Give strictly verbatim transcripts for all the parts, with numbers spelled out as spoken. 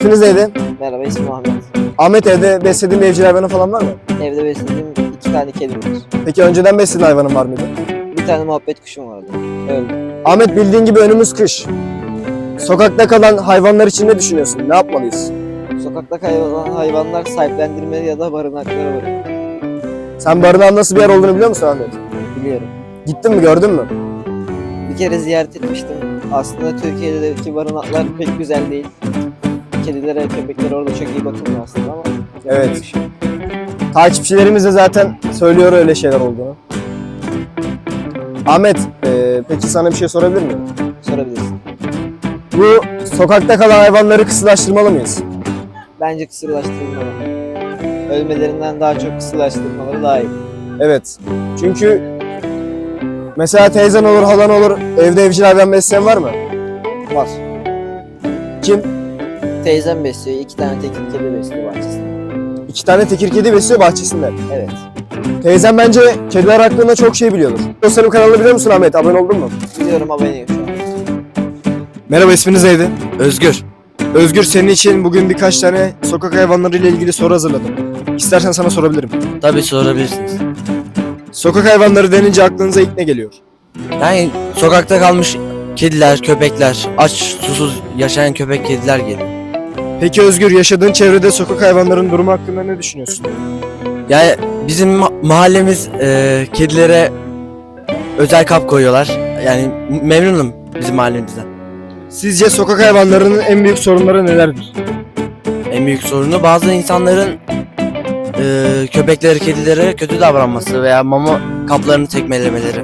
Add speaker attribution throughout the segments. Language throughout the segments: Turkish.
Speaker 1: İsminiz neydi?
Speaker 2: Merhaba, ismim Ahmet.
Speaker 1: Ahmet, evde beslediğin bir evcil hayvanın falan var mı?
Speaker 2: Evde beslediğim iki tane kedim var.
Speaker 1: Peki önceden beslediğin hayvanın var mıydı?
Speaker 2: Bir tane muhabbet kuşum vardı. Öldü.
Speaker 1: Ahmet, bildiğin gibi önümüz kış. Sokakta kalan hayvanlar için ne düşünüyorsun? Ne yapmalıyız?
Speaker 2: Sokakta kaybolan hayvanlar sahiplendirmeli ya da barınaklara bırakılmalı.
Speaker 1: Sen barınağın nasıl bir yer olduğunu biliyor musun Ahmet?
Speaker 2: Biliyorum.
Speaker 1: Gittin mi, gördün mü?
Speaker 2: Bir kere ziyaret etmiştim. Aslında Türkiye'deki barınaklar pek güzel değil. Kedilere, köpeklere orada çok iyi bakılmıyor aslında ama...
Speaker 1: Evet.
Speaker 2: bir şey.
Speaker 1: Takipçilerimiz de zaten söylüyor öyle şeyler olduğunu. Ahmet, e, peki sana bir şey sorabilir miyim?
Speaker 2: Sorabilirsin.
Speaker 1: Bu sokakta kalan hayvanları kısırlaştırmalı mıyız?
Speaker 2: Bence kısırlaştırılmalı. Ölmelerinden daha çok kısırlaştırmaları daha iyi.
Speaker 1: Evet. Çünkü mesela teyzen olur, halan olur, evde evcil hayvan besleyen var mı?
Speaker 2: Var.
Speaker 1: Kim?
Speaker 2: Teyzem besliyor, iki tane tekir kedi besliyor bahçesinde.
Speaker 1: İki tane tekir kedi besliyor bahçesinde.
Speaker 2: Evet.
Speaker 1: Teyzem bence kediler hakkında çok şey biliyordur. Dostlarım kanalını biliyor musun Ahmet? Abone oldun mu?
Speaker 2: Biliyorum, aboneyim şu an.
Speaker 1: Merhaba, isminiz neydi?
Speaker 3: Özgür.
Speaker 1: Özgür, senin için bugün birkaç tane sokak hayvanları ile ilgili soru hazırladım. İstersen sana sorabilirim.
Speaker 3: Tabii sorabilirsiniz.
Speaker 1: Sokak hayvanları denince aklınıza ilk ne geliyor?
Speaker 3: Yani sokakta kalmış kediler, köpekler, aç susuz yaşayan köpek kediler geliyor.
Speaker 1: Peki Özgür, yaşadığın çevrede sokak hayvanların durumu hakkında ne düşünüyorsun?
Speaker 3: Yani bizim ma- mahallemiz e, kedilere özel kap koyuyorlar. Yani memnunum bizim mahallemizden.
Speaker 1: Sizce sokak hayvanlarının en büyük sorunları nelerdir?
Speaker 3: En büyük sorunu bazı insanların e, köpekleri, kedilere kötü davranması veya mama kaplarını tekmelemeleri.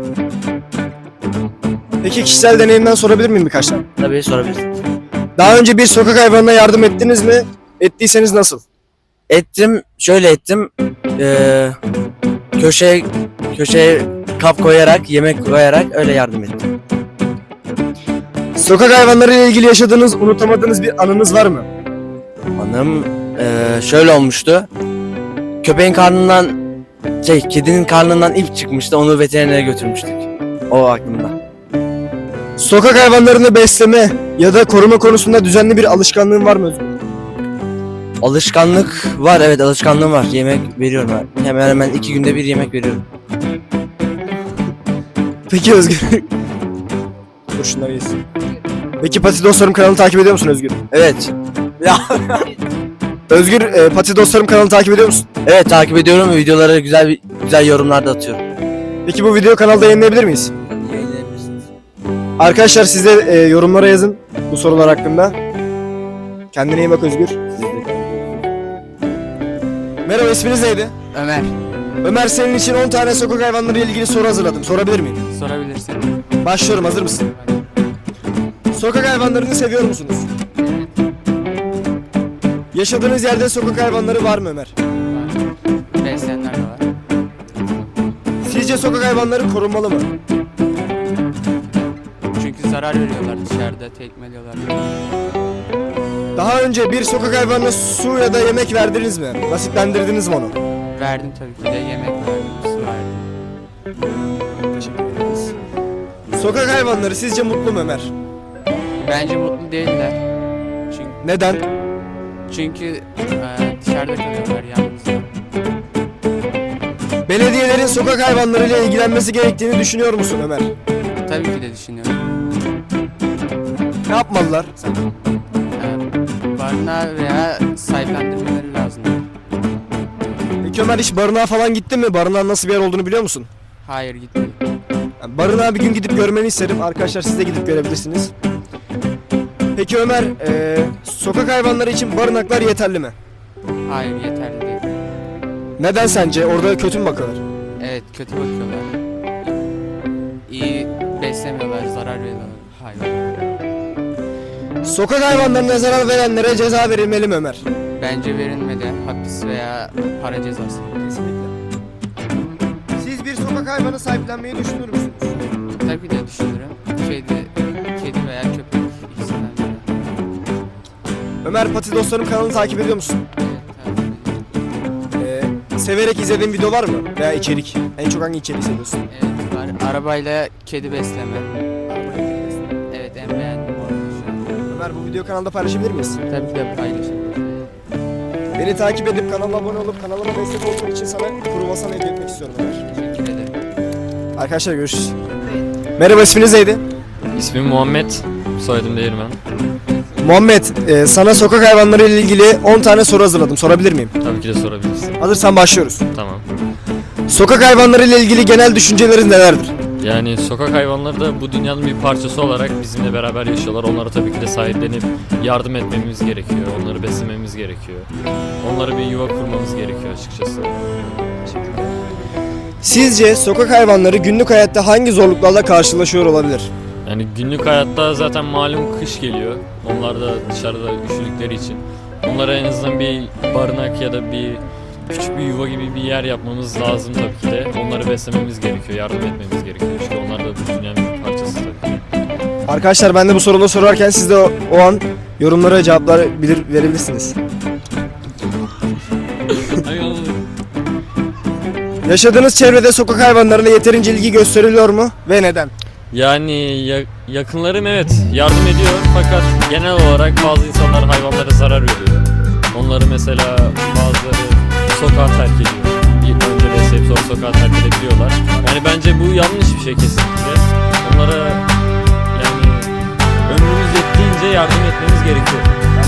Speaker 1: Peki kişisel deneyimden sorabilir miyim birkaç tane?
Speaker 3: Tabii sorabilirsiniz.
Speaker 1: Daha önce bir sokak hayvanına yardım ettiniz mi? Ettiyseniz nasıl?
Speaker 3: Ettim, şöyle ettim. E, köşeye köşeye kap koyarak, yemek koyarak öyle yardım ettim.
Speaker 1: Sokak hayvanları ile ilgili yaşadığınız, unutamadığınız bir anınız var mı?
Speaker 3: Hanım eee, şöyle olmuştu. Köpeğin karnından şey kedinin karnından ip çıkmıştı. Onu veterinere götürmüştük. O aklımda.
Speaker 1: Sokak hayvanlarını besleme ya da koruma konusunda düzenli bir alışkanlığın var mı Özgür?
Speaker 3: Alışkanlık var, evet alışkanlığım var. Yemek veriyorum ben. Hemen hemen iki günde bir yemek veriyorum.
Speaker 1: Peki Özgür. Dur şunları yesin. Peki Pati Dostlarım kanalını takip ediyor musun Özgür?
Speaker 3: Evet. Ya.
Speaker 1: Özgür, e, Pati Dostlarım kanalını takip ediyor musun?
Speaker 3: Evet takip ediyorum ve videolara güzel güzel yorumlar da atıyorum.
Speaker 1: Peki bu videoyu kanalda yayınlayabilir miyiz?
Speaker 3: Yayınlayabilirsiniz.
Speaker 1: Arkadaşlar siz de e, yorumlara yazın bu sorular hakkında. Kendine iyi bak Özgür. Merhaba, isminiz neydi?
Speaker 4: Ömer,
Speaker 1: Ömer, senin için on tane sokak hayvanları ile ilgili soru hazırladım. Sorabilir miyim?
Speaker 4: sorabilirsin.
Speaker 1: Başlıyorum, hazır mısın? Sokak hayvanlarını seviyor musunuz? Yaşadığınız yerde sokak hayvanları var mı Ömer?
Speaker 4: Besleyenler de var.
Speaker 1: Sizce sokak hayvanları korunmalı mı?
Speaker 4: Çünkü zarar veriyorlar dışarıda, tekmeliyorlar.
Speaker 1: Daha önce bir sokak hayvanına su ya da yemek verdiniz mi? Basitlendirdiniz mi onu?
Speaker 4: Verdim tabii ki de, yemek verdim, su verdim.
Speaker 1: Teşekkür ederiz. Sokak hayvanları sizce mutlu mu Ömer?
Speaker 4: Bence mutlu değiller. Çünkü,
Speaker 1: Neden?
Speaker 4: çünkü e, dışarıda kalıyorlar yalnız.
Speaker 1: Belediyelerin sokak hayvanlarıyla ilgilenmesi gerektiğini düşünüyor musun Ömer?
Speaker 4: Tabii ki de düşünüyorum.
Speaker 1: Ne yapmalılar?
Speaker 4: E, barınağı veya sahiplendirmeleri lazım.
Speaker 1: Peki Ömer, hiç barınağa falan gittin mi? Barınağın nasıl bir yer olduğunu biliyor musun?
Speaker 4: Hayır, gitmedim.
Speaker 1: Yani barınağa bir gün gidip görmeni isterim. Arkadaşlar, siz de gidip görebilirsiniz. Peki Ömer, eee, sokak hayvanları için barınaklar yeterli mi?
Speaker 4: Hayır, yeterli değil.
Speaker 1: Neden sence? Orada kötü mü bakıyorlar?
Speaker 4: Evet, kötü bakıyorlar. İyi beslemiyorlar, zarar veriyorlar hayvanlara.
Speaker 1: Sokak hayvanlarına zarar verenlere ceza verilmeli mi Ömer?
Speaker 4: Bence verilmedi, hapis veya para cezası.
Speaker 1: Kesinlikle. Siz bir sokak hayvanı sahiplenmeyi düşünür müsünüz?
Speaker 4: Tabii de düşünürüm. Kedi, kedi veya köpek ikisinden biri.
Speaker 1: Ömer, Pati Dostlarım kanalını takip ediyor musun?
Speaker 4: Evet, tabii.
Speaker 1: Eee, severek izlediğin video var mı? Veya içerik? En çok hangi içeriği seviyorsun?
Speaker 4: Evet var. Arabayla kedi besleme. Evet, en beğendiğim oldu şu an.
Speaker 1: Ömer, Ömer, bu video kanalda paylaşabilir miyiz?
Speaker 4: Tabii ki de paylaşırım.
Speaker 1: Beni takip edip kanalıma abone olup kanalıma destek olduğun için sana kruvasan hediye etmek istiyorum Ömer.
Speaker 4: Teşekkür ederim.
Speaker 1: Arkadaşlar görüşürüz. Merhaba, isminiz neydi?
Speaker 5: İsmim Muhammed, soyadım Değirmen.
Speaker 1: Muhammed, e, sana sokak hayvanları ile ilgili on tane soru hazırladım. Sorabilir miyim?
Speaker 5: Tabii ki de sorabilirsin.
Speaker 1: Hazırsan başlıyoruz.
Speaker 5: Tamam.
Speaker 1: Sokak hayvanları ile ilgili genel düşüncelerin nelerdir?
Speaker 5: Yani sokak hayvanları da bu dünyanın bir parçası olarak bizimle beraber yaşıyorlar. Onlara tabii ki de sahiplenip yardım etmemiz gerekiyor. Onları beslememiz gerekiyor. Onlara bir yuva kurmamız gerekiyor açıkçası.
Speaker 1: Sizce sokak hayvanları günlük hayatta hangi zorluklarla karşılaşıyor olabilir?
Speaker 5: Yani günlük hayatta zaten malum kış geliyor. Onlar da dışarıda üşüdükleri için. Onlara en azından bir barınak ya da bir küçük bir yuva gibi bir yer yapmamız lazım tabii ki de. Onları beslememiz gerekiyor, yardım etmemiz gerekiyor. İşte onlar da bu dünyanın bir parçası tabii ki.
Speaker 1: Arkadaşlar, ben de bu soruları sorarken siz de o, o an yorumlara cevaplar bilir, verebilirsiniz. Yaşadığınız çevrede sokak hayvanlarına yeterince ilgi gösteriliyor mu ve neden?
Speaker 5: Yani ya- yakınlarım evet yardım ediyor fakat genel olarak bazı insanlar hayvanlara zarar veriyor. Onları mesela bazıları sokağa terk ediyor. Bir önce besleyip sonra sokağa terk edebiliyorlar. Yani bence bu yanlış bir şey kesinlikle. Onlara yani ömrümüz yettiğince yardım etmemiz gerekiyor.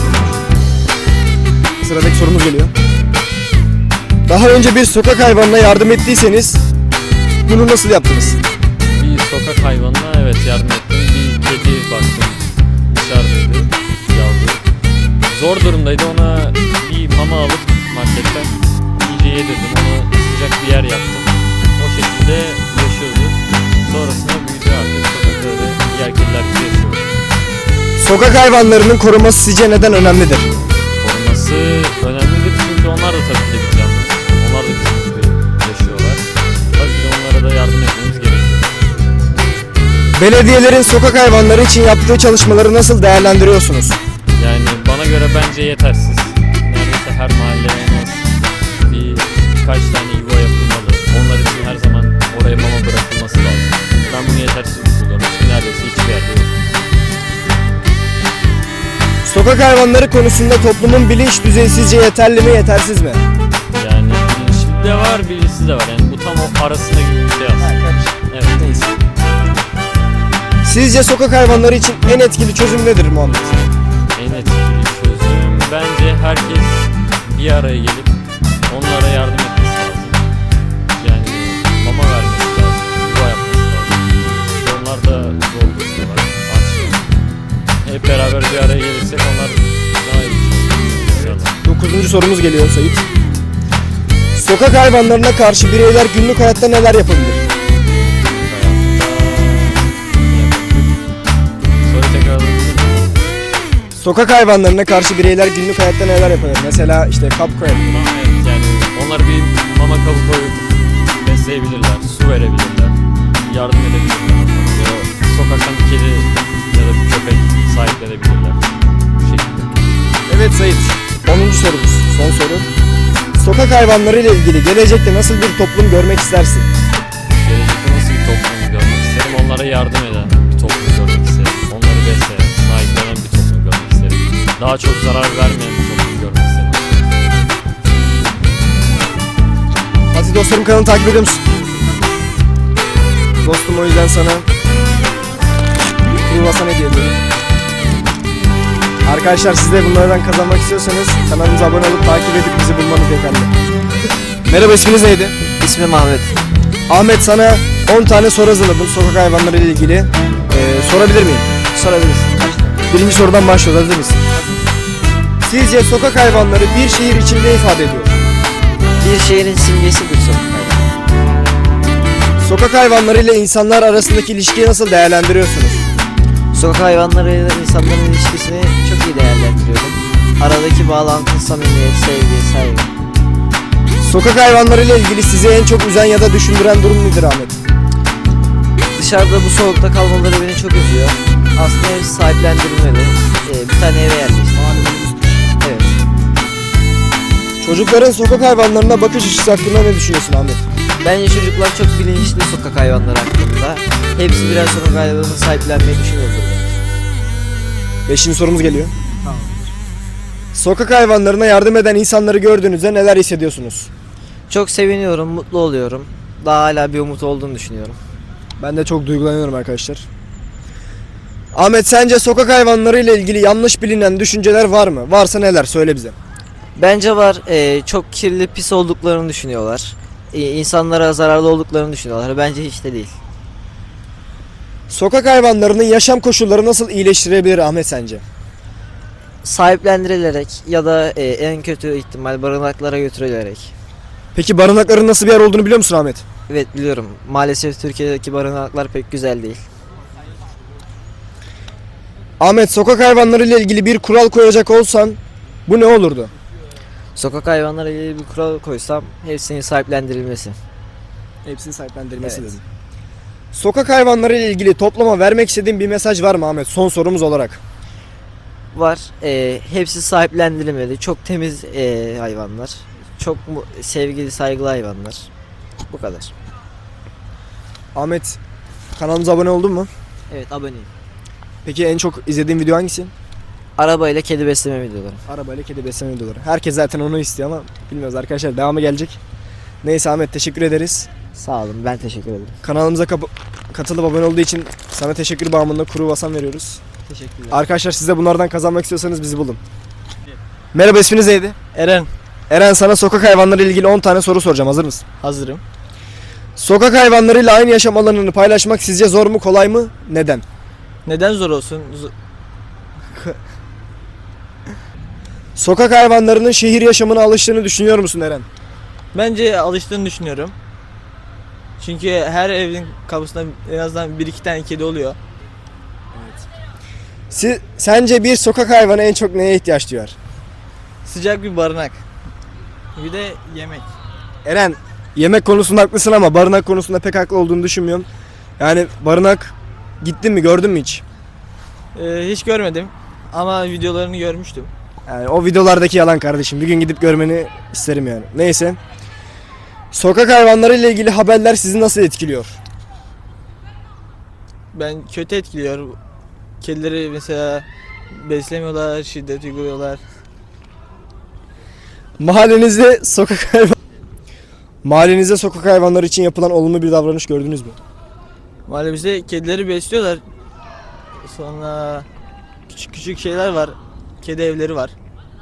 Speaker 1: Sıradaki sorumuz geliyor. Daha önce bir sokak hayvanına yardım ettiyseniz bunu nasıl yaptınız?
Speaker 5: Bir sokak hayvanına evet yardım ettim. Bir kedi baktım dışarıdaydı, yavru. Zor durumdaydı, ona bir mama alıp marketten iyice yedirdim. Ona sıcak bir yer yaptım. O şekilde yaşıyordu. Sonrasında büyüdü artık sokakta öyle diğer kediler gibi yaşıyor.
Speaker 1: Sokak hayvanlarının koruması sizce neden önemlidir?
Speaker 5: Koruması önemlidir çünkü onlar da tabii ki de bir canlı. Onlar da bizim gibi yaşıyorlar. Tabii ki de onlara da yardım etmemiz gerekiyor.
Speaker 1: Belediyelerin sokak hayvanları için yaptığı çalışmaları nasıl değerlendiriyorsunuz?
Speaker 5: Yani bana göre bence yetersiz. Neredeyse her mahalleye en az bir birkaç tane yuva yapılmalı. Onlar için her zaman oraya mama bırakılması lazım. Ben bunu yetersiz buluyorum. Çünkü neredeyse hiçbir yerde yok.
Speaker 1: Sokak hayvanları konusunda toplumun bilinç düzeyi sizce yeterli mi, yetersiz mi?
Speaker 5: Yani bilinçli de var, bilinçsiz de var. Yani bu tam o arasında gibi bir şey aslında. Evet.
Speaker 1: Neyse. Sizce sokak hayvanları için en etkili çözüm nedir Muhammed?
Speaker 5: En etkili çözüm bence herkes bir araya gelip onlara yardım etmesi lazım. Yani mama vermesi lazım, yuva yapması lazım. İşte onlar da zor durumdalar, aç. Hep beraber bir araya gelirsek onlar daha iyi bir şey olur.
Speaker 1: Dokuzuncu sorumuz geliyor Sait. Sokak hayvanlarına karşı bireyler günlük hayatta neler yapabilir?
Speaker 5: Soru tekrar alabilir miyim?
Speaker 1: Sokak hayvanlarına karşı bireyler günlük hayatta neler yapabilir? Mesela işte kap koyabilir.
Speaker 5: Tamam, evet, yani onlar bir mama kabı koyup besleyebilirler, su verebilirler, yardım edebilirler. Ya da sokaktan bir kedi ya da bir köpek sahiplenebilirler. Bu şekilde.
Speaker 1: Evet Sait. onuncu sorumuz. Son soru. Sokak hayvanları ile ilgili gelecekte nasıl bir toplum görmek istersin?
Speaker 5: Gelecekte nasıl bir toplum görmek isterim? Onlara yardım eden bir toplum görmek isterim. Onları besleyen, sahiplenen bir toplum görmek isterim. Daha çok zarar vermeyen bir toplum görmek isterim.
Speaker 1: Hadi dostlarım, kanalı takip ediyor musun? Dostum, o yüzden sana kruvasan hediye ediyorum. Arkadaşlar, siz de bunlardan kazanmak istiyorsanız kanalımıza abone olup takip edip bizi bulmanız yeterli. Merhaba, isminiz neydi?
Speaker 2: İsmim Ahmet.
Speaker 1: Ahmet, sana on tane soru hazırladım sokak hayvanları ile ilgili. Ee, sorabilir miyim?
Speaker 2: Sorabilirsin.
Speaker 1: Birinci sorudan başlıyoruz. Hazır mısın? Sizce sokak hayvanları bir şehir için ne ifade ediyor?
Speaker 2: Bir şehrin simgesidir sokak hayvanı.
Speaker 1: Sokak hayvanları ile insanlar arasındaki ilişkiyi nasıl değerlendiriyorsunuz?
Speaker 2: Sokak hayvanlarıyla insanların ilişkisini çok iyi değerlendiriyorum. Aradaki bağlantı, samimiyet, sevgi, saygı.
Speaker 1: Sokak hayvanları ile ilgili sizi en çok üzen ya da düşündüren durum nedir Ahmet?
Speaker 2: Dışarıda bu soğukta kalmaları beni çok üzüyor. Aslında ev sahiplendirilmeli. Ee, bir tane eve yerleştim. Evet.
Speaker 1: Çocukların sokak hayvanlarına bakış açısı hakkında ne düşünüyorsun Ahmet?
Speaker 2: Bence çocuklar çok bilinçli sokak hayvanları hakkında. Hepsi birer sokak hayvanını sahiplenmeyi düşünüyordur.
Speaker 1: Beşinci sorumuz geliyor. Sokak hayvanlarına yardım eden insanları gördüğünüzde neler hissediyorsunuz?
Speaker 2: Çok seviniyorum, mutlu oluyorum. Daha hala bir umut olduğunu düşünüyorum.
Speaker 1: Ben de çok duygulanıyorum arkadaşlar. Ahmet, sence sokak hayvanları ile ilgili yanlış bilinen düşünceler var mı? Varsa neler? Söyle bize.
Speaker 2: Bence var. Ee, çok kirli, pis olduklarını düşünüyorlar. Ee, insanlara zararlı olduklarını düşünüyorlar. Bence hiç de değil.
Speaker 1: Sokak hayvanlarının yaşam koşulları nasıl iyileştirebilir Ahmet sence?
Speaker 2: Sahiplendirilerek ya da e, en kötü ihtimal barınaklara götürülerek.
Speaker 1: Peki barınakların nasıl bir yer olduğunu biliyor musun Ahmet?
Speaker 2: Evet, biliyorum. Maalesef Türkiye'deki barınaklar pek güzel değil.
Speaker 1: Ahmet, sokak hayvanları ile ilgili bir kural koyacak olsan bu ne olurdu?
Speaker 2: Sokak hayvanları ile ilgili bir kural koysam hepsinin sahiplendirilmesi.
Speaker 1: Hepsinin sahiplendirilmesi
Speaker 2: Evet.
Speaker 1: dedim. Sokak hayvanları ile ilgili topluma vermek istediğin bir mesaj var mı Ahmet? Son sorumuz olarak.
Speaker 2: Var. E, hepsi sahiplendirilmeli. Çok temiz e, hayvanlar. Çok mu- sevgili, saygılı hayvanlar. Bu kadar.
Speaker 1: Ahmet, kanalımıza abone oldun mu?
Speaker 2: Evet, aboneyim.
Speaker 1: Peki en çok izlediğin video hangisi?
Speaker 2: Araba ile kedi besleme videoları.
Speaker 1: Arabayla kedi besleme videoları. Herkes zaten onu istiyor ama bilmiyoruz arkadaşlar, devamı gelecek. Neyse Ahmet, teşekkür ederiz.
Speaker 2: Sağ olun, ben teşekkür ederim.
Speaker 1: Kanalımıza kap- katılıp abone olduğu için sana teşekkür bağımında kuru basan veriyoruz.
Speaker 2: Teşekkürler.
Speaker 1: Arkadaşlar, siz de bunlardan kazanmak istiyorsanız bizi bulun. Merhaba, isminiz neydi?
Speaker 6: Eren,
Speaker 1: Eren, sana sokak hayvanları ile ilgili on tane soru soracağım. Hazır mısın?
Speaker 6: hazırım.
Speaker 1: Sokak hayvanlarıyla aynı yaşam alanını paylaşmak sizce zor mu, kolay mı? Neden?
Speaker 6: Neden zor olsun? Z-
Speaker 1: Sokak hayvanlarının şehir yaşamına alıştığını düşünüyor musun Eren?
Speaker 6: Bence alıştığını düşünüyorum. Çünkü her evin kapısında en azından bir iki tane kedi oluyor.
Speaker 1: Si- sence bir sokak hayvanı en çok neye ihtiyaç duyar?
Speaker 6: Sıcak bir barınak. Bir de yemek.
Speaker 1: Eren, yemek konusunda haklısın ama barınak konusunda pek haklı olduğunu düşünmüyorum. Yani barınak, gittin mi, gördün mü hiç?
Speaker 6: Ee, hiç görmedim ama videolarını görmüştüm.
Speaker 1: Yani o videolardaki yalan kardeşim. Bir gün gidip görmeni isterim yani. Neyse. Sokak hayvanları ile ilgili haberler sizi nasıl etkiliyor?
Speaker 6: Ben kötü etkiliyor. Kedileri mesela beslemiyorlar, şiddet uyguluyorlar.
Speaker 1: Mahallenizde sokak hayvan Mahallenizde sokak hayvanları için yapılan olumlu bir davranış gördünüz mü?
Speaker 6: Mahallemizde kedileri besliyorlar. Sonra küçük küçük şeyler var. Kedi evleri var.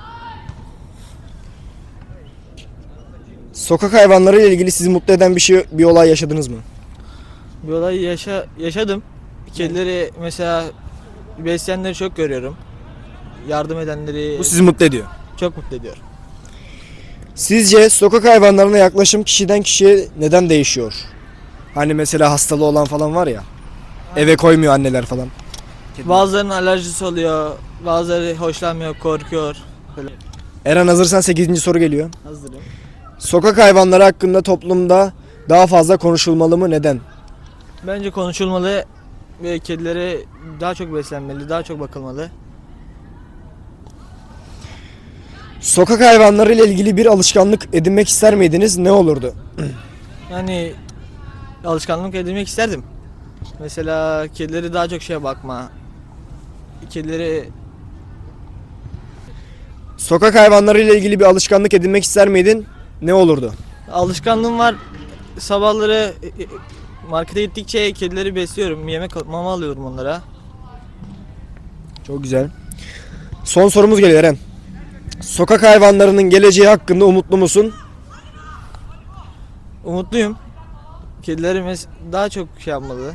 Speaker 1: Sokak hayvanları ile ilgili sizi mutlu eden bir şey, bir olay yaşadınız mı?
Speaker 6: Bir olay yaşa yaşadım. Kedileri mesela besleyenleri çok görüyorum. Yardım edenleri
Speaker 1: Bu sizi mutlu ediyor.
Speaker 6: çok mutlu ediyor.
Speaker 1: Sizce sokak hayvanlarına yaklaşım kişiden kişiye neden değişiyor? Hani mesela hastalığı olan falan var ya. Eve koymuyor anneler falan.
Speaker 6: Bazılarının alerjisi oluyor, bazıları hoşlanmıyor, korkuyor.
Speaker 1: Eren, hazırsan sekizinci soru geliyor.
Speaker 6: Hazırım.
Speaker 1: Sokak hayvanları hakkında toplumda daha fazla konuşulmalı mı? Neden?
Speaker 6: Bence konuşulmalı ve kedilere daha çok beslenmeli, daha çok bakılmalı.
Speaker 1: Sokak hayvanları ile ilgili bir alışkanlık edinmek ister miydiniz? Ne olurdu?
Speaker 6: Yani alışkanlık edinmek isterdim. Mesela kedileri daha çok şeye bakma. Kedileri
Speaker 1: Sokak hayvanları ile ilgili bir alışkanlık edinmek ister miydin? Ne olurdu?
Speaker 6: alışkanlığım var. Sabahları e, e, markete gittikçe kedileri besliyorum. Yemek mama alıyorum onlara.
Speaker 1: Çok güzel. Son sorumuz geliyor Eren. Sokak hayvanlarının geleceği hakkında umutlu musun?
Speaker 6: Umutluyum. Kedilerimiz daha çok şey yapmalı.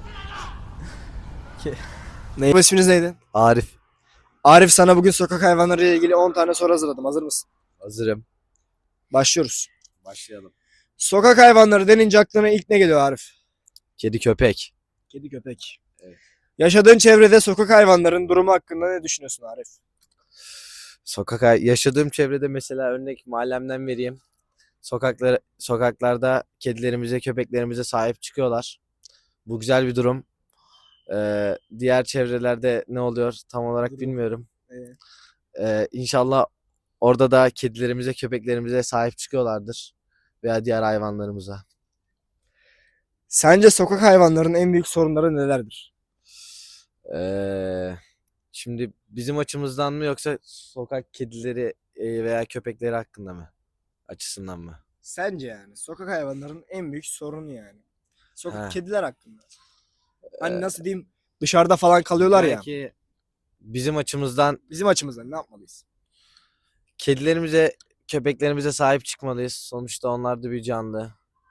Speaker 1: Ne? İsminiz neydi?
Speaker 3: Arif,
Speaker 1: Arif, sana bugün sokak hayvanları ile ilgili on tane soru hazırladım. Hazır mısın?
Speaker 3: hazırım.
Speaker 1: Başlıyoruz.
Speaker 3: Başlayalım.
Speaker 1: Sokak hayvanları denince aklına ilk ne geliyor Arif?
Speaker 3: Kedi, köpek.
Speaker 1: Kedi, köpek.
Speaker 3: Evet.
Speaker 1: Yaşadığın çevrede sokak hayvanların durumu hakkında ne düşünüyorsun Arif?
Speaker 3: Sokak hay- yaşadığım çevrede mesela örnek mahallemden vereyim. Sokaklar sokaklarda kedilerimize, köpeklerimize sahip çıkıyorlar. Bu güzel bir durum. Ee, diğer çevrelerde ne oluyor tam olarak
Speaker 1: Durum.
Speaker 3: bilmiyorum.
Speaker 1: Evet.
Speaker 3: Ee, inşallah orada da kedilerimize, köpeklerimize sahip çıkıyorlardır veya diğer hayvanlarımıza.
Speaker 1: Sence sokak hayvanlarının en büyük sorunları nelerdir?
Speaker 3: Ee, Şimdi bizim açımızdan mı yoksa sokak kedileri e, veya köpekleri hakkında mı? Açısından mı?
Speaker 1: Sence yani sokak hayvanlarının en büyük sorunu yani. Sokak
Speaker 3: Ha.
Speaker 1: kediler hakkında. Hani
Speaker 3: Ee,
Speaker 1: nasıl diyeyim, dışarıda falan kalıyorlar ya.
Speaker 3: Belki bizim açımızdan
Speaker 1: Bizim açımızdan ne yapmalıyız?
Speaker 3: kedilerimize, köpeklerimize sahip çıkmalıyız. Sonuçta onlar da bir canlı.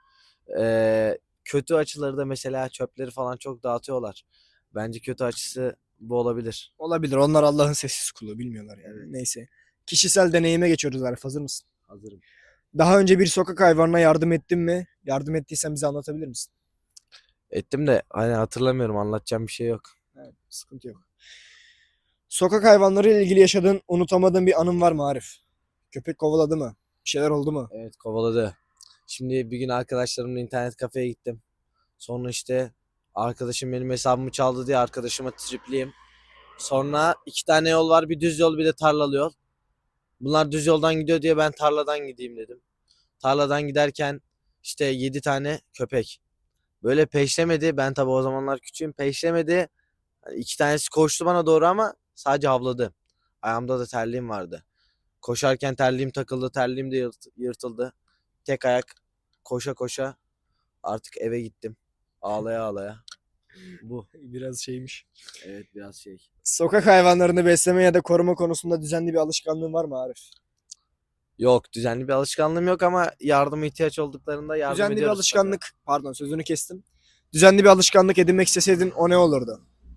Speaker 3: Ee, kötü açıları da mesela çöpleri falan çok dağıtıyorlar. Bence kötü açısı bu olabilir.
Speaker 1: Olabilir. Onlar Allah'ın sessiz kulu, bilmiyorlar yani.
Speaker 3: Evet.
Speaker 1: Neyse. Kişisel deneyime geçiyoruz Arif. Hazır mısın?
Speaker 3: Hazırım.
Speaker 1: Daha önce bir sokak hayvanına yardım ettin mi? Yardım ettiysen bize anlatabilir misin?
Speaker 3: Ettim de hani hatırlamıyorum, anlatacağım bir şey yok.
Speaker 1: Evet, sıkıntı yok. Sokak hayvanları ile ilgili yaşadığın, unutamadığın bir anın var mı Arif? Köpek kovaladı mı? Bir şeyler oldu mu?
Speaker 3: Evet, kovaladı. Şimdi bir gün arkadaşlarımla internet kafeye gittim. Sonra işte arkadaşım benim hesabımı çaldı diye arkadaşıma tripliyim. Sonra iki tane yol var, bir düz yol bir de tarlalı yol. Bunlar düz yoldan gidiyor diye ben tarladan gideyim dedim. Tarladan giderken işte yedi tane köpek. Böyle peşlemedi. Ben tabii o zamanlar küçüğüm. Peşlemedi. Hani iki tanesi koştu bana doğru ama sadece havladı. Ayağımda da terliğim vardı. Koşarken terliğim takıldı. Terliğim de yırt- yırtıldı. Tek ayak koşa koşa artık eve gittim. Ağlaya ağlaya. Bu.
Speaker 1: Biraz şeymiş.
Speaker 3: Evet, biraz şey.
Speaker 1: Sokak hayvanlarını besleme ya da koruma konusunda düzenli bir alışkanlığın var mı Arif?
Speaker 3: Yok, düzenli bir alışkanlığım yok ama yardıma ihtiyaç olduklarında yardım
Speaker 1: Düzenli bir
Speaker 3: ediyoruz
Speaker 1: alışkanlık, pardon sözünü kestim. Düzenli bir alışkanlık edinmek isteseydin o ne olurdu?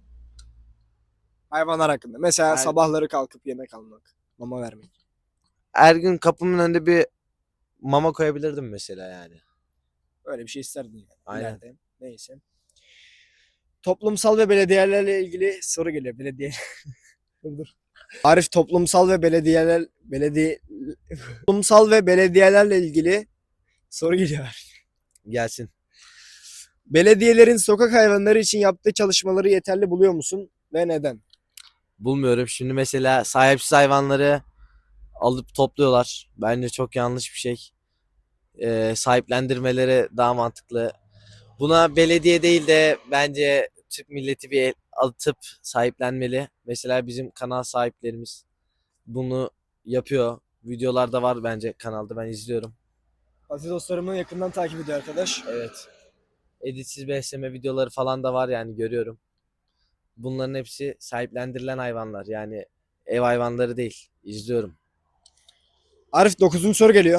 Speaker 1: Hayvanlar hakkında. Mesela
Speaker 3: Her-
Speaker 1: sabahları kalkıp yemek almak, mama vermek.
Speaker 3: tabii. Her gün kapımın önünde bir mama koyabilirdim mesela yani.
Speaker 1: Öyle bir şey isterdin yani.
Speaker 3: Aynen.
Speaker 1: ileride. Neyse. Toplumsal ve belediyelerle ilgili soru geliyor. Belediye. dur dur. Arif, toplumsal ve belediyeler belediye toplumsal ve belediyelerle ilgili soru geliyor Arif.
Speaker 3: Gelsin.
Speaker 1: Belediyelerin sokak hayvanları için yaptığı çalışmaları yeterli buluyor musun ve neden?
Speaker 3: Bulmuyorum. Şimdi mesela sahipsiz hayvanları alıp topluyorlar. Bence çok yanlış bir şey. Ee, sahiplendirmeleri daha mantıklı. Buna belediye değil de bence Türk milleti bir el atıp sahiplenmeli. Mesela bizim kanal sahiplerimiz bunu yapıyor. Videolarda var bence kanalda, ben izliyorum.
Speaker 1: Aziz dostlarımı yakından takip ediyor arkadaş.
Speaker 3: Evet. Editsiz besleme videoları falan da var yani, görüyorum. Bunların hepsi sahiplendirilen hayvanlar. Yani ev hayvanları değil. İzliyorum.
Speaker 1: Arif, dokuzuncu soru geliyor.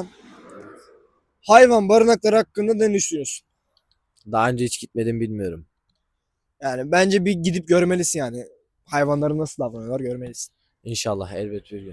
Speaker 1: Hayvan barınakları hakkında ne düşünüyorsun?
Speaker 3: Daha önce hiç gitmedim, bilmiyorum.
Speaker 1: Yani bence bir gidip görmelisin yani. Hayvanları nasıl davranıyorlar görmelisin.
Speaker 3: İnşallah elbet bir gün.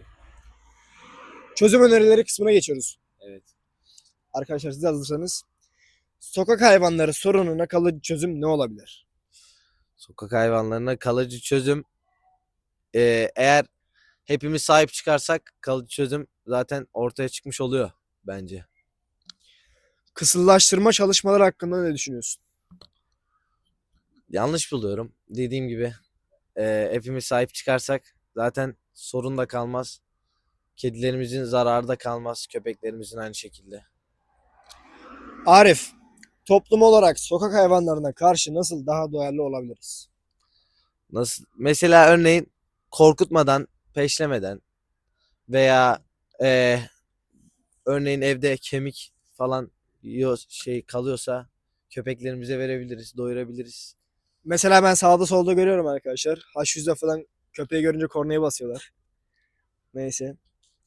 Speaker 1: Çözüm önerileri kısmına geçiyoruz.
Speaker 3: Evet.
Speaker 1: Arkadaşlar siz de hazırsanız. Sokak hayvanları sorununa kalıcı çözüm ne olabilir?
Speaker 3: Sokak hayvanlarına kalıcı çözüm. Ee, eğer hepimiz sahip çıkarsak kalıcı çözüm zaten ortaya çıkmış oluyor bence.
Speaker 1: Kısırlaştırma çalışmaları hakkında ne düşünüyorsun?
Speaker 3: Yanlış buluyorum. Dediğim gibi e, hepimiz sahip çıkarsak zaten sorun da kalmaz. Kedilerimizin zararı da kalmaz. Köpeklerimizin aynı şekilde.
Speaker 1: Arif, toplum olarak sokak hayvanlarına karşı nasıl daha duyarlı olabiliriz?
Speaker 3: Nasıl? Mesela örneğin korkutmadan, peşlemeden veya e, örneğin evde kemik falan yiyor, şey kalıyorsa köpeklerimize verebiliriz, doyurabiliriz.
Speaker 1: Mesela ben sağda solda görüyorum arkadaşlar. H yüzde falan köpeği görünce kornaya basıyorlar. Neyse.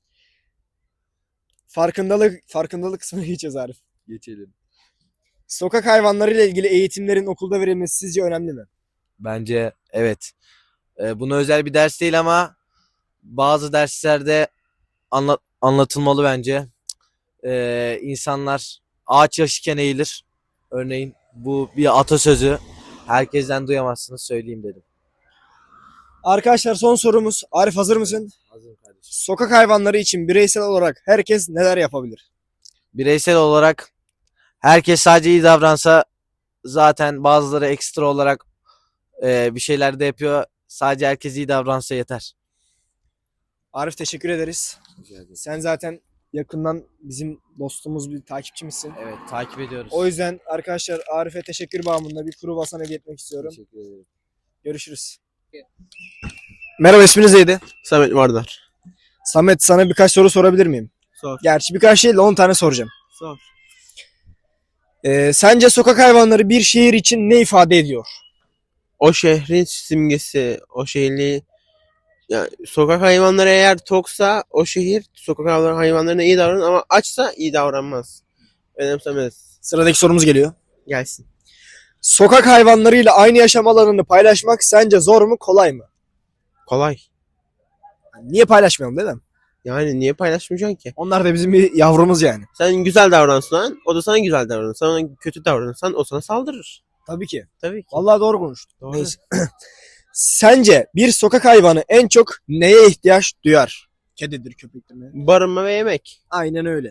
Speaker 1: Farkındalık farkındalık kısmına geçeceğiz Arif.
Speaker 3: Geçelim.
Speaker 1: Sokak hayvanları ile ilgili eğitimlerin okulda verilmesi sizce önemli mi?
Speaker 3: Bence evet. E, buna özel bir ders değil ama bazı derslerde anlat anlatılmalı bence. E, insanlar ağaç yaşken eğilir. Örneğin bu bir atasözü. Herkesten duyamazsınız, söyleyeyim dedim.
Speaker 1: Arkadaşlar, son sorumuz. Arif, hazır mısın?
Speaker 3: Hazırım kardeşim.
Speaker 1: Sokak hayvanları için bireysel olarak herkes neler yapabilir?
Speaker 3: Bireysel olarak herkes sadece iyi davransa, zaten bazıları ekstra olarak e, bir şeyler de yapıyor. Sadece herkes iyi davransa yeter.
Speaker 1: Arif, teşekkür ederiz. Sen zaten yakından bizim dostumuz, bir takipçimizsin.
Speaker 3: Evet, takip ediyoruz.
Speaker 1: O yüzden arkadaşlar Arif'e teşekkür bağımında bir kuru basan hediye etmek istiyorum.
Speaker 3: Teşekkür ederim.
Speaker 1: Görüşürüz. Merhaba, isminiz neydi?
Speaker 7: Samet Vardar.
Speaker 1: Samet, sana birkaç soru sorabilir miyim?
Speaker 7: Sor.
Speaker 1: Gerçi birkaç değil de on tane soracağım.
Speaker 7: Sor.
Speaker 1: Ee, sence sokak hayvanları bir şehir için ne ifade ediyor?
Speaker 7: O şehrin simgesi, o şehirli yani sokak hayvanları eğer toksa o şehir sokak hayvan- hayvanlarına iyi davranır ama açsa iyi davranmaz. Önemsemez.
Speaker 1: Sıradaki sorumuz geliyor.
Speaker 7: Gelsin.
Speaker 1: Sokak hayvanlarıyla aynı yaşam alanını paylaşmak sence zor mu, kolay mı?
Speaker 7: Kolay.
Speaker 1: Yani niye paylaşmayalım değil mi?
Speaker 7: Yani niye paylaşmayacaksın ki?
Speaker 1: Onlar da bizim bir yavrumuz yani.
Speaker 7: Sen güzel davransan o da sana güzel davranır. Sen ona kötü davranırsan o sana saldırır.
Speaker 1: Tabii ki.
Speaker 7: Tabii ki.
Speaker 1: Vallahi doğru konuştun.
Speaker 7: Doğru.
Speaker 1: Neyse. Sence bir sokak hayvanı en çok neye ihtiyaç duyar? Kedidir, köpektir mi?
Speaker 7: Barınma ve yemek.
Speaker 1: Aynen öyle.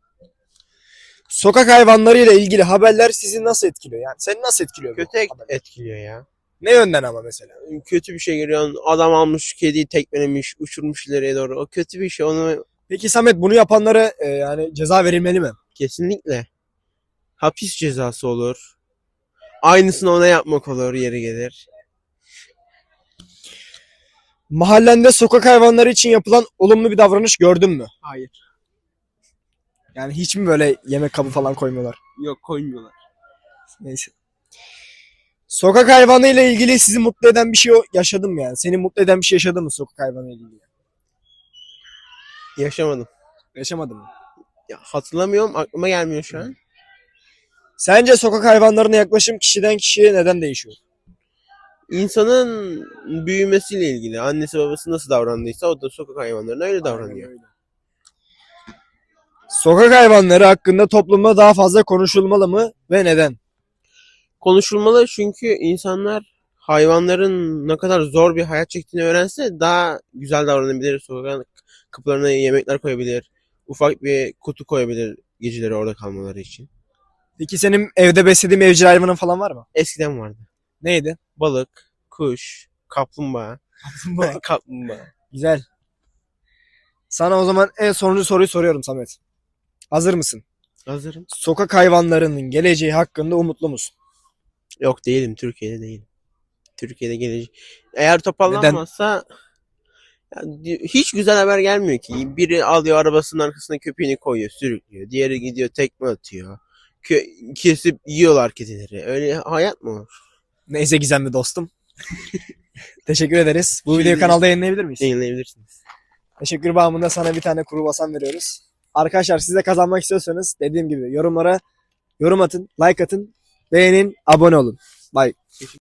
Speaker 1: Sokak hayvanlarıyla ilgili haberler sizi nasıl etkiliyor? Yani seni nasıl etkiliyor bu
Speaker 7: Kötü et-
Speaker 1: haberler?
Speaker 7: etkiliyor ya.
Speaker 1: Ne yönden ama mesela?
Speaker 7: Kötü bir şey görüyorsun. Adam almış kediyi tekmelemiş, uçurmuş ileriye doğru. O kötü bir şey. Onu
Speaker 1: Peki Samet, bunu yapanlara e, yani ceza verilmeli mi?
Speaker 7: kesinlikle hapis cezası olur. Aynısını ona yapmak olur yeri gelir.
Speaker 1: Mahallende sokak hayvanları için yapılan olumlu bir davranış gördün mü?
Speaker 7: Hayır.
Speaker 1: Yani hiç mi böyle yemek kabı falan koymuyorlar?
Speaker 7: Yok koymuyorlar.
Speaker 1: Neyse. Sokak hayvanı ile ilgili sizi mutlu eden bir şey yaşadın mı yani? Seni mutlu eden bir şey yaşadın mı sokak hayvanı ile ilgili?
Speaker 7: Yaşamadım.
Speaker 1: Yaşamadın mı?
Speaker 7: Ya, hatırlamıyorum. Aklıma gelmiyor şu an.
Speaker 1: Sence sokak hayvanlarına yaklaşım kişiden kişiye neden değişiyor?
Speaker 7: İnsanın büyümesiyle ilgili. Annesi babası nasıl davrandıysa o da sokak hayvanlarına öyle davranıyor.
Speaker 1: Aynen öyle. Sokak hayvanları hakkında toplumda daha fazla konuşulmalı mı ve neden?
Speaker 7: Konuşulmalı çünkü insanlar hayvanların ne kadar zor bir hayat çektiğini öğrense daha güzel davranabilir. Sokak kapılarına yemekler koyabilir. Ufak bir kutu koyabilir geceleri orada kalmaları için.
Speaker 1: Peki senin evde beslediğin evcil hayvanın falan var mı?
Speaker 7: Eskiden vardı.
Speaker 1: Neydi?
Speaker 7: Balık, kuş, kaplumbağa. Kaplumbağa.
Speaker 1: Güzel. Sana o zaman en sonuncu soruyu soruyorum Samet. Hazır mısın?
Speaker 7: Hazırım.
Speaker 1: Sokak hayvanlarının geleceği hakkında umutlu musun?
Speaker 7: Yok değilim. Türkiye'de değilim. Türkiye'de gelecek. Eğer toparlanmazsa ya, di- hiç güzel haber gelmiyor ki. Biri alıyor arabasının arkasına köpeğini koyuyor, sürüklüyor. Diğeri gidiyor tekme atıyor. Kö- kesip yiyorlar kedileri. Öyle hayat mı olur?
Speaker 1: Neyse gizemli dostum. Teşekkür ederiz. Bu
Speaker 7: Şey
Speaker 1: videoyu
Speaker 7: değil.
Speaker 1: kanalda yayınlayabilir miyiz?
Speaker 7: Yayınlayabilirsiniz.
Speaker 1: Teşekkür bağımında sana bir tane kuru basan veriyoruz. Arkadaşlar, siz de kazanmak istiyorsanız dediğim gibi yorumlara yorum atın, like atın, beğenin, abone olun. Bye.